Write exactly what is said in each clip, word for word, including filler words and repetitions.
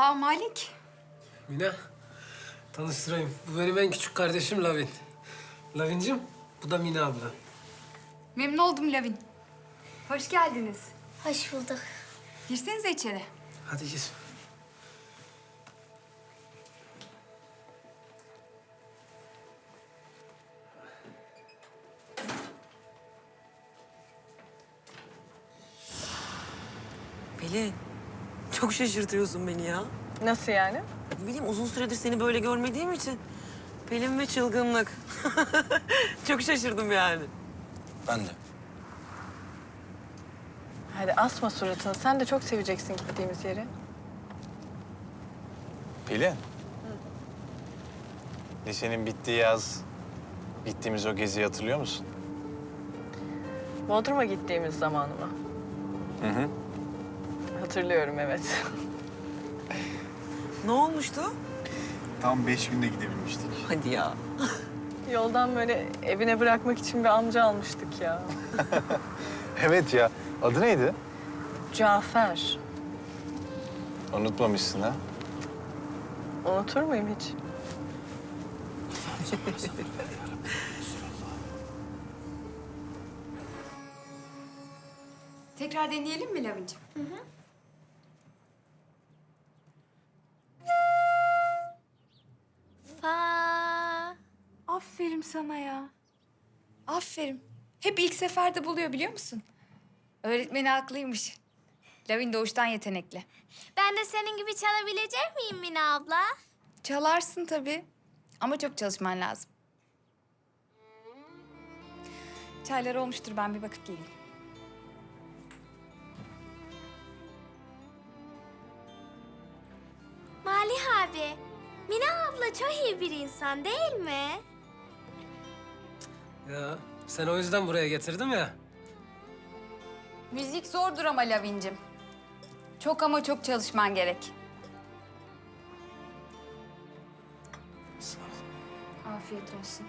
Aa Malik. Mine, tanıştırayım. Bu benim en küçük kardeşim Lavin. Lavincim, bu da Mine abla. Memnun oldum Lavin. Hoş geldiniz. Hoş bulduk. Girsenize içeri. Hadi gir. Pelin, çok şaşırtıyorsun beni ya. Nasıl yani? Ne bileyim, uzun süredir seni böyle görmediğim için. Pelin ve çılgınlık. Çok şaşırdım yani. Ben de. Hadi asma suratını. Sen de çok seveceksin gittiğimiz yeri. Pelin. Lisenin bittiği yaz, gittiğimiz o geziyi hatırlıyor musun? Bodrum'a gittiğimiz zamanı mı? Hı hı. Hatırlıyorum, evet. Ne olmuştu? Tam beş günde gidebilmiştik. Hadi ya. Yoldan böyle evine bırakmak için bir amca almıştık ya. Evet ya. Adı neydi? Cafer. Unutmamışsın ha. Unutur muyum hiç? Tekrar deneyelim mi Lavincim? Hı hı. Fa. Aferin sana ya. Aferin. Hep ilk seferde buluyor biliyor musun? Öğretmeni haklıymış. Lavin doğuştan yetenekli. Ben de senin gibi çalabilecek miyim Mine abla? Çalarsın tabii. Ama çok çalışman lazım. Çaylar olmuştur. Ben bir bakıp geleyim. Malih abi, Mine abla çok iyi bir insan değil mi? Ya, sen o yüzden buraya getirdim ya. Müzik zordur ama Lavincim. Çok ama çok çalışman gerek. Sağ ol. Afiyet olsun.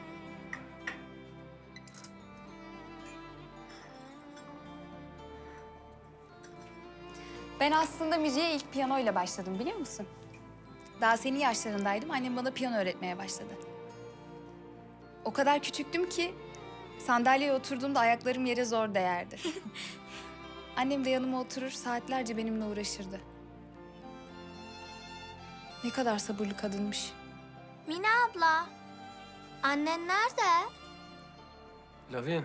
Ben aslında müziğe ilk piyanoyla başladım biliyor musun? Daha senin yaşlarındaydım. Annem bana piyano öğretmeye başladı. O kadar küçüktüm ki sandalyeye oturduğumda ayaklarım yere zor değerdi. Annem de yanıma oturur saatlerce benimle uğraşırdı. Ne kadar sabırlı kadınmış. Mine abla, annen nerede? Lavin,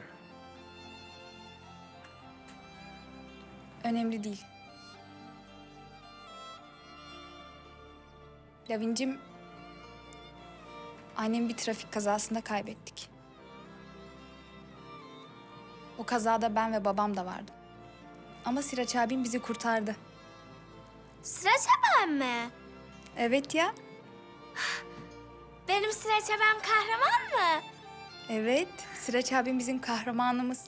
Önemli değil. Lavincim, annemi bir trafik kazasında kaybettik. O kazada ben ve babam da vardı. Ama Siraç abim bizi kurtardı. Sıraç abim mi? Evet ya, Benim Sıraç abim kahraman mı? evet. Siraç abim bizim kahramanımız.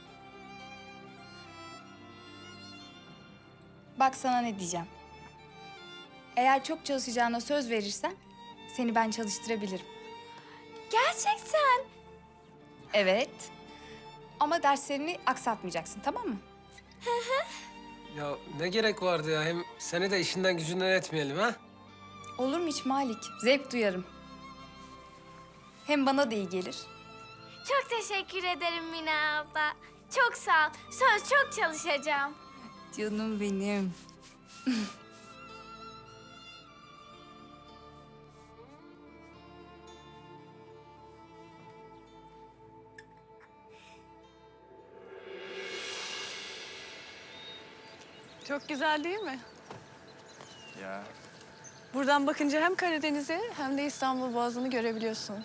Bak sana ne diyeceğim. Eğer çok çalışacağına söz verirsen seni ben çalıştırabilirim. Gerçekten. Evet. Ama derslerini aksatmayacaksın, tamam mı? ya ne gerek vardı ya? Hem seni de işinden gücünden etmeyelim ha? Olur mu hiç Malik? Zevk duyarım. Hem bana da iyi gelir. Çok teşekkür ederim Mine abla. Çok sağ ol. Söz çok çalışacağım. Canım benim. Çok güzel değil mi? Ya. Buradan bakınca hem Karadeniz'i hem de İstanbul Boğazı'nı görebiliyorsunuz.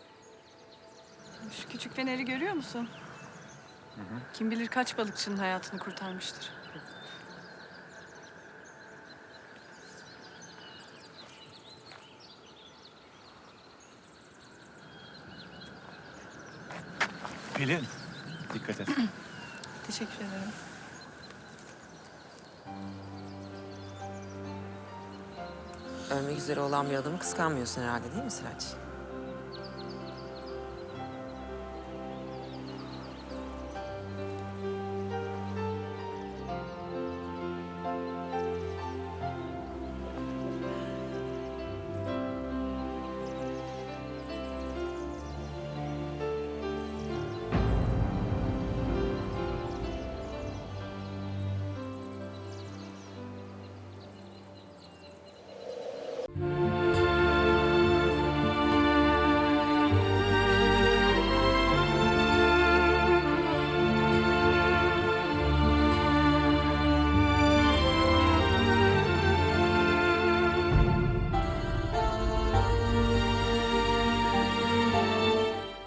Şu küçük feneri görüyor musun? Kim bilir kaç balıkçının hayatını kurtarmıştır. Pelin. Dikkat et. Teşekkür ederim. Ölmek üzere olan bir adamı kıskanmıyorsun herhalde değil mi Sıraç?